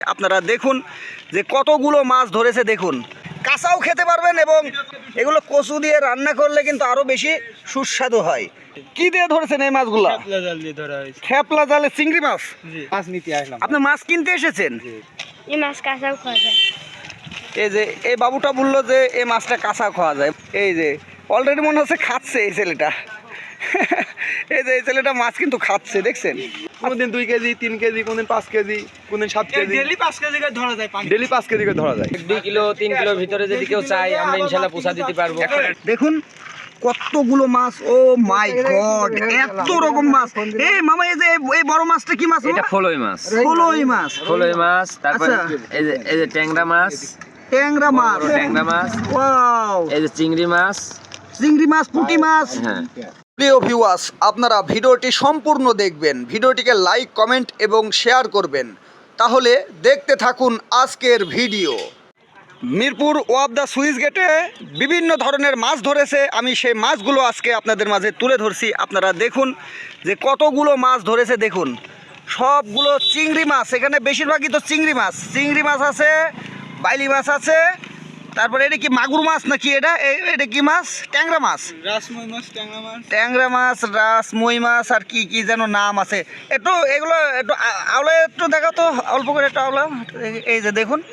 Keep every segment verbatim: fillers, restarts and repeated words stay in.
আপনারা দেখুন যে কতগুলো মাছ ধরেছে, দেখুন কাঁচাও খেতে পারবেন এবং এগুলো কচু দিয়ে রান্না করলে কিন্তু আরো বেশি সুস্বাদু হয়। কি দিয়ে ধরেছেন এই মাছগুলো? খেপলা জাল দিয়ে ধরা হয়েছে। খেপলা জালে চিংড়ি মাছ। জি, মাছ নিতে আসলাম। আপনি মাছ কিনতে এসেছেন? এই মাছ কাঁচাও খাওয়া যায়। এই যে এই বাবুটা বললো যে এই মাছটা কাঁচা খাওয়া যায়। এই যে অলরেডি মনে হচ্ছে খাচ্ছে এই ছেলেটা। এই যে এই ছেলেটা মাছ কিন্তু খাচ্ছে, দেখছেন? কোনদিন দুই কেজি তিন কেজি কোনদিন পাঁচ কেজি কোনদিন সাত কেজি ডেলি পাঁচ কেজি করে ধরা যায় পানি। ডেলি পাঁচ কেজি করে ধরা যায়। দুই কিলো তিন কিলোর ভিতরে যদি কেউ চাই আমরা ইনশাল্লাহ পোষা দিতে পারবো। দেখুন কতগুলো মাছ, ও মাই গড, এত রকম মাছ। এই মামা এই যে এই বড় মাছটা কি মাছ? এটা ফলই মাছ। ফলই মাছ। ফলই মাছ, তারপরে আচ্ছা। এই যে এই যে ট্যাংরা মাছ, ট্যাংরা মাছ, বড় ট্যাংরা মাছ, ওয়াও, এই যে চিংড়ি মাছ, চিংড়ি মাছ, পুঁটি মাছ। হ্যাঁ। প্রিয় ভিউয়ার্স, আপনারা ভিডিওটি সম্পূর্ণ দেখবেন, ভিডিওটিকে লাইক কমেন্ট এবং শেয়ার করবেন, তাহলে দেখতে থাকুন আজকের ভিডিও। মিরপুর ওয়াব দ্য সুইচ গেটে বিভিন্ন ধরনের মাছ ধরেছে, আমি সেই মাছগুলো আজকে আপনাদের মাঝে তুলে ধরছি। আপনারা দেখুন যে কতগুলো মাছ ধরেছে, দেখুন সবগুলো চিংড়ি মাছ। এখানে বেশিরভাগই তো চিংড়ি মাছ, চিংড়ি মাছ আছে, বাইলি মাছ আছে, তারপরে এটা কি মাগুর মাছ নাকি? এটা এ- এটা কি মাছ? ট্যাংরা মাছ। রাসমই মাছ, ট্যাংরা মাছ। ট্যাংরা মাছ, রাস, মই মাছ, আর কি কি যেন নাম আছে। একটু এগুলো একটু আ- আওলা একটু দেখো তো, অল্প করে একটু আওলা। এই- এই যে দেখুন,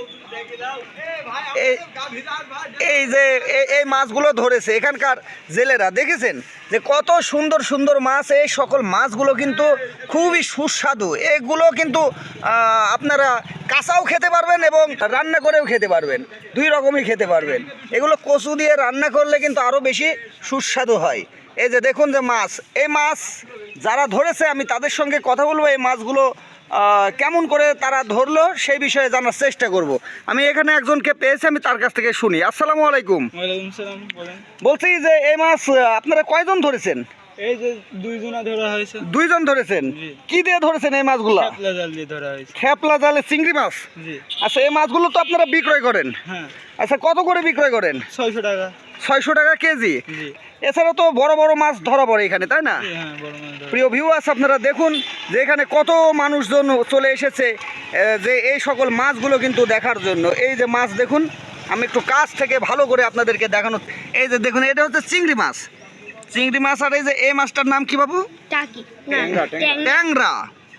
এই এই যে এই- এই মাছগুলো ধরেছে এখানকার জেলেরা, দেখেছেন যে কত সুন্দর সুন্দর মাছ। এই সকল মাছগুলো কিন্তু খুবই সুস্বাদু। এগুলো কিন্তু আহ, আপনারা কাঁচাও খেতে পারবেন এবং রান্না করেও খেতে পারবেন, দুই রকমই খেতে পারবেন। এগুলো কচু দিয়ে রান্না করলে কিন্তু আরও বেশি সুস্বাদু হয়। এই যে দেখুন যে মাছ, এই মাছ যারা ধরেছে আমি তাদের সঙ্গে কথা বলবো, এই মাছগুলো আহ, কেমন করে তারা ধরলো সেই বিষয়ে জানার চেষ্টা করব। আমি এখানে একজনকে পেয়েছি, আমি তার কাছ থেকে শুনি। আসসালামু আলাইকুম। ওয়ালাইকুম সালাম, বলেন। বলছি যে এই মাছ আহ, আপনারা কয়জন ধরেছেন? এই যে দুইজনা ধরা হয়েছে। দুইজন ধরেছেন। জি। কি দিয়ে ধরেছেন এই মাছগুলো? খেপলা জাল দিয়ে ধরা হয়েছে। খেপলা জালে চিংড়ি মাছ। জি, আচ্ছা, এই মাছগুলো তো আপনারা বিক্রয় করেন? হ্যাঁ। আচ্ছা, কত করে বিক্রয় করেন? ছয়শো টাকা। ছয়শো টাকা কেজি। জি, এছাড়া তো বড় বড় মাছ ধরা পড়ে এখানে, তাই না? জি, হ্যাঁ, বড় মাছ ধরা। প্রিয় ভিউয়ার্স, আপনারা দেখুন যে এখানে কত মানুষজন চলে এসেছে আহ, যে এই সকল মাছগুলো কিন্তু দেখার জন্য। এই যে মাছ দেখুন, আমি একটু কাছ থেকে ভালো করে আপনাদেরকে দেখানো। এই যে দেখুন, এটা হচ্ছে চিংড়ি মাছ, চিংড়ি মাছ। আর এই যে এই মাছটার নাম কি বাবু? টাকি না, ট্যাংরা, ট্যাংরা। ট্যাংরা।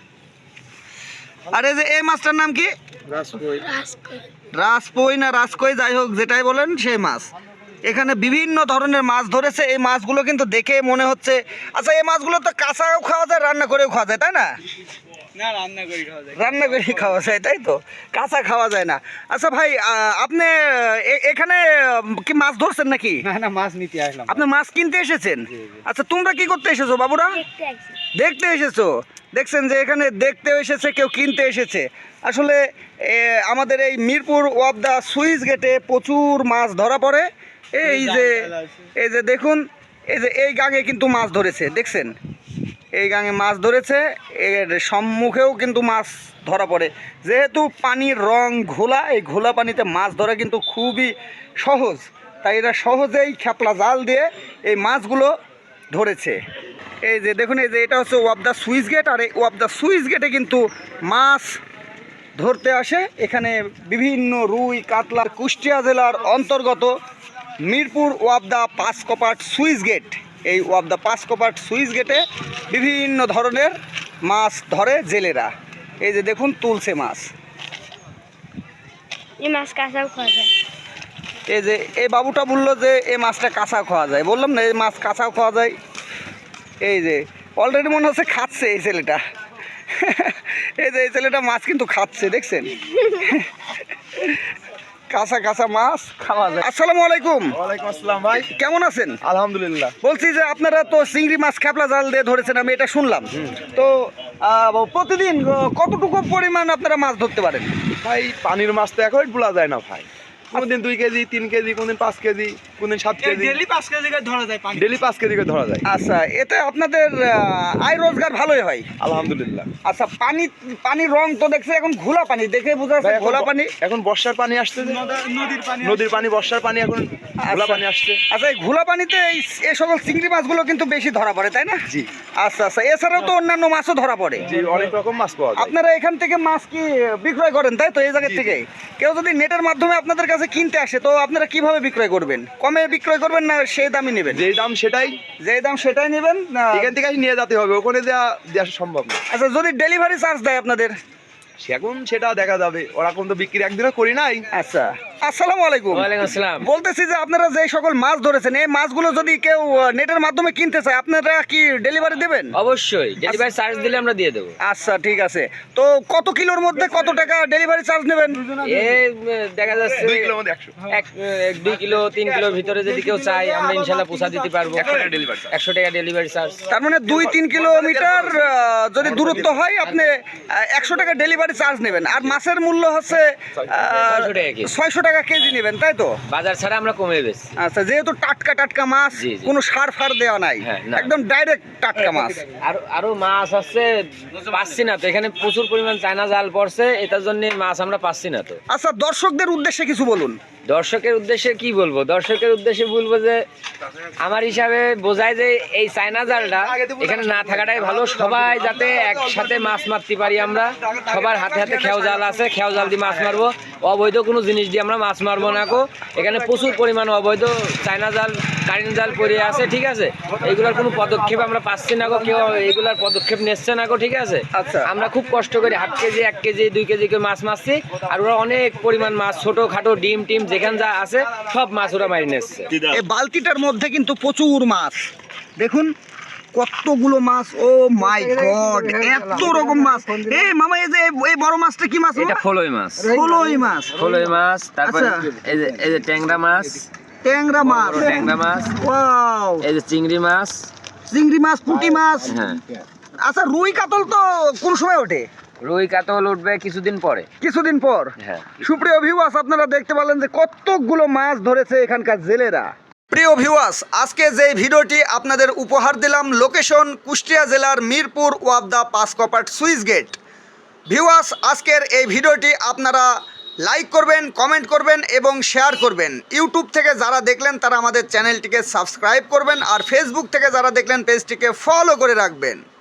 আর এই যে এই মাছটার নাম কি? রাসকই রাসকই। রাজপই না রাজকই, যাই হোক যেটাই বলেন সেই মাছ। এখানে বিভিন্ন ধরনের মাছ ধরেছে। এই মাছগুলো কিন্তু দেখে মনে হচ্ছে, আচ্ছা এই মাছগুলো তো কাঁচাও খাওয়া যায়, রান্না করেও খাওয়া যায়, তাই না? না, রান্না করে খাওয়া যায়। রান্না করে খাওয়া যায়, তাই তো, কাঁচা খাওয়া যায় না। আচ্ছা ভাই, আহ, আপনি এ- এখানে কি মাছ ধরছেন নাকি? না না মাছ নিতে আসলাম। আপনি মাছ কিনতে এসেছেন? আচ্ছা, তোমরা কি করতে এসেছো বাবুরা? দেখতে আসছি। দেখতে এসেছো। দেখছেন যে এখানে দেখতেও এসেছে, কেউ কিনতে এসেছে। আসলে এ, আমাদের এই মিরপুর ওয়াব দ্য সুইচ গেটে প্রচুর মাছ ধরা পড়ে। এই যে এই যে দেখুন, এই যে এই গাঙে কিন্তু মাছ ধরেছে, দেখছেন এই গাঙে মাছ ধরেছে। এর সম্মুখেও কিন্তু মাছ ধরা পড়ে। যেহেতু পানির রং ঘোলা, এই ঘোলা পানিতে মাছ ধরা কিন্তু খুবই সহজ, তাই এরা সহজেই খেপলা জাল দিয়ে এই মাছগুলো ধরেছে। এই যে দেখুন, এই যে এটা হচ্ছে ওয়াব দ্য সুইচ গেট, আর এই ওয়াব দ্য সুইচ গেটে কিন্তু মাছ ধরতে আসে। এখানে বিভিন্ন রুই, কাতলা। কুষ্টিয়া জেলার অন্তর্গত মিরপুর ওয়াব দ্য পাঁচকপাট সুইচ গেট, এই ওয়াব দ্য পাঁচকপাট সুইচ গেটে বিভিন্ন ধরনের মাছ ধরে জেলেরা। এই যে দেখুন, তুলছে মাছ। এই মাছ কাঁচাও খাওয়া যায়। এই যে এই বাবুটা বললো যে এই মাছটা কাঁচা খাওয়া যায়, বললাম না এই মাছ কাঁচাও খাওয়া যায়। এই যে অলরেডি মনে হচ্ছে খাচ্ছে এই ছেলেটা। এই যে এই ছেলেটা মাছ কিন্তু খাচ্ছে, দেখছেন কাঁচা কাঁচা মাছ খাওয়া যায়। আসসালামু আলাইকুম। ওয়ালাইকুম আসসালাম ভাই, কেমন আছেন? আলহামদুলিল্লাহ। বলছি যে আপনারা তো চিংড়ি মাছ খেপলা জাল দিয়ে ধরেছেন, আমি এটা শুনলাম। তো আহ, প্রতিদিন আহ, কতটুকু পরিমাণ আপনারা মাছ ধরতে পারেন? ভাই পানির মাছ তো এখন বলা যায় না ভাই। কোনদিন দুই কেজি তিন কেজি কোনদিন পাঁচ কেজি কোনদিন সাত কেজি, ডেলি পাঁচ কেজি করে ধরা যায় পানি। ডেলি পাঁচ কেজি করে ধরা যায়। আচ্ছা, এতে আপনাদের আহ, আয় রোজগার ভালোই হয়। আলহামদুলিল্লাহ। আচ্ছা, পানি পানির রং তো দেখছি এখন ঘোলা পানি, দেখে বোঝা ভাই, যাচ্ছে এখন ঘোলা ব- পানি। এখন বর্ষার পানি আসছে যে, নদা- নদীর পানি নদীর পানি, বর্ষার পানি, এখন ঘোলা আচ্ছা। পানি আসছে। আচ্ছা, এই ঘোলা পানিতে এই এই সকল চিংড়ি মাছগুলো কিন্তু বেশি ধরা পড়ে, তাই না? জি আচ্ছা আচ্ছা, এছাড়াও তো অন্যান্য মাছও ধরা পড়ে। জি, অনেক রকম মাছ পাওয়া যায়। আপনারা এখান থেকে মাছ কি বিক্রয় করেন, তাই তো? এই জায়গা জি, থেকে কেউ যদি নেটের মাধ্যমে আপনাদের কাছে কিনতে আসে, তো আপনারা কিভাবে বিক্রয় করবেন? কমে বিক্রয় করবেন না সেই দামই নেবেন? যেই দাম সেটাই, যেই দাম সেটাই নেবেন না? এখান থেকে নিয়ে যেতে হবে, ওখানে দেওয়া দেওয়া সম্ভব না। আচ্ছা, যদি ডেলিভারি চার্জ দেয় আপনাদের? এখন সেটা দেখা যাবে, ওরা কোন তো বিক্রি একদিনও করি নাই। আচ্ছা, আসসালামু আলাইকুম। ওয়ালাইকুম আসসালাম। বলতেছি যে আপনারা যে সকল মাছ ধরেছেন, এই মাছগুলো যদি কেউ আহ, নেটের মাধ্যমে কিনতে চায়, আপনারা কি ডেলিভারি দেবেন? অবশ্যই ডেলিভারি চার্জ দিলে আমরা দিয়ে দেবো। আচ্ছা, ঠিক আছে। তো কত কিলোর মধ্যে কত টাকা ডেলিভারি চার্জ নেবেন? এ উম, দেখা যাচ্ছে দুই কিলোর মধ্যে একশো এক এক দুই কিলো তিন কিলোর ভিতরে যদি কেউ চাই আমরা ইনশাল্লাহ পোষা দিতে পারবো। একশো টাকা ডেলিভারি চার্জ। একশো টাকা ডেলিভারি চার্জ। তার মানে দুই তিন কিলোমিটার আহ, যদি দূরত্ব হয়, আপনি একশো টাকা ডেলিভারি চার্জ নেবেন। আর মাছের মূল্য হচ্ছে ছয়শো টাকা কেজি। ছয়শো টাকা কেজি নেবেন, তাই তো? বাজার ছাড়া আমরা কমে বেশি। আচ্ছা, যেহেতু টাটকা টাটকা মাছ, জি, জি। কোনো সার ফার দেওয়া নাই, হ্যাঁ, না। একদম ডাইরেক্ট টাটকা মাছ। আরো আরো মাছ আছে, পাচ্ছি না তো। এখানে প্রচুর পরিমাণ চায়না জাল পড়ছে, এটার জন্য মাছ আমরা পাচ্ছি না তো। আচ্ছা, দর্শকদের উদ্দেশ্যে কিছু বলুন। দর্শকের উদ্দেশ্যে কি বলবো? দর্শকের উদ্দেশ্যে বলবো যে আমার হিসাবে বোঝায় যে এই চায়না জালটা এখানে না থাকাটাই ভালো। সবাই যাতে একসাথে মাছ মারতে পারি আমরা। সবার হাতে হাতে খেয়াও জাল আছে, খেয়াও জাল দিয়ে মাছ মারবো। অবৈধ কোনো জিনিস দিয়ে আমরা মাছ মারবো না কো। এখানে প্রচুর পরিমাণ অবৈধ চায়না জাল, কারেন্ট জাল পড়ে আছে, ঠিক আছে? এইগুলোর কোনো পদক্ষেপ আমরা পাচ্ছি না গো, কেউ এইগুলোর পদক্ষেপ নিচ্ছে না গো, ঠিক আছে? আচ্ছা। আমরা খুব কষ্ট করে হাফ কেজি এক কেজি দুই কেজি করে মাছ মারছি, আর ওরা অনেক পরিমাণ মাছ, ছোটো খাটো ডিম টিম যেখানে যা আছে সব মাছ ওরা মারি নিচ্ছে। এই বালতিটার মধ্যে কিন্তু প্রচুর মাছ, দেখুন কতগুলো মাছ। ও মাই গড, এত রকম মাছ! এই মামা, এই যে এই বড় মাছটা কি মাছ? এটা ফলই মাছ। ফলই মাছ, ফলই মাছ, তারপর আচ্ছা। এই যে এই যে ট্যাংরা মাছ, ট্যাংরা মাছ, বড় ট্যাংরা মাছ, ওয়াও, এই যে চিংড়ি মাছ। চিংড়ি মাছ, পুঁটি মাছ। হ্যাঁ, আচ্ছা, রুই কাতল তো কোন সময় ওঠে? রুই কাতল উঠবে কিছুদিন পরে। কিছুদিন পর। হ্যাঁ। সুপ্রিয় ভিউয়ার্স, আপনারা দেখতে পেলেন যে কতগুলো মাছ ধরেছে এখানকার জেলেরা। প্রিয় ভিউয়ার্স, আজকে যে ভিডিওটি আপনাদের উপহার দিলাম, লোকেশন কুষ্টিয়া জেলার মিরপুর ওয়াবদা পাঁচকপাট সুইচ গেট। ভিউয়ার্স, আজকের এই ভিডিওটি আপনারা লাইক করবেন, কমেন্ট করবেন এবং শেয়ার করবেন। ইউটিউব থেকে যারা দেখলেন তারা আমাদের চ্যানেলটিকে সাবস্ক্রাইব করবেন, আর ফেসবুক থেকে যারা দেখলেন পেজটিকে ফলো করে রাখবেন।